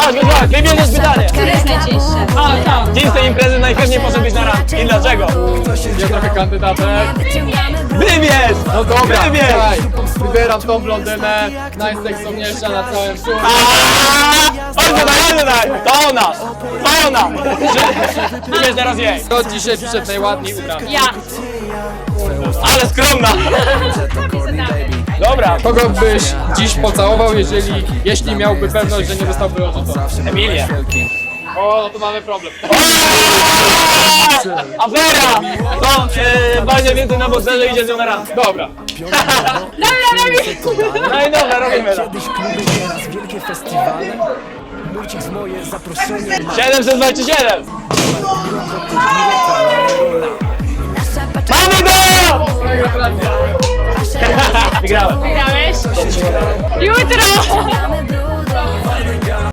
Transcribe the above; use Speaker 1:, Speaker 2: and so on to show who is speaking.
Speaker 1: Chodź, wybierzesz pytanie.
Speaker 2: Które jest najcięższe?
Speaker 1: Dzień z tej imprezy najchętniej poszedłbyś na randkę. I dlaczego?
Speaker 3: Ja trochę kandydatek.
Speaker 1: Wybierz!
Speaker 3: No dobra,
Speaker 1: Wybierz!
Speaker 3: słuchaj, wybieram tą blondynę, najseksowniejsza na całym słupie.
Speaker 1: Oj, daj! To ona! To ona! Wybierz teraz jej.
Speaker 3: Kto dzisiaj przyszedł najładniej ubrany?
Speaker 2: Ja.
Speaker 1: Ale skromna! Dobra,
Speaker 3: Kogo byś dziś pocałował, jeśli miałby pewność, że nie dostałby odrzucony?
Speaker 1: Emilię.
Speaker 3: O, no to mamy problem.
Speaker 1: Afera! To Wania więcej na bocerze idzie z nią na randkę.
Speaker 3: Dobra.
Speaker 1: No i dobra, robimy to.
Speaker 4: Kiedyś kluby, teraz wielkie festiwale. Murcik moje zaproszenie.
Speaker 1: 727! Mamy go! Wygrałem.
Speaker 2: Wygrałeś? Jutro!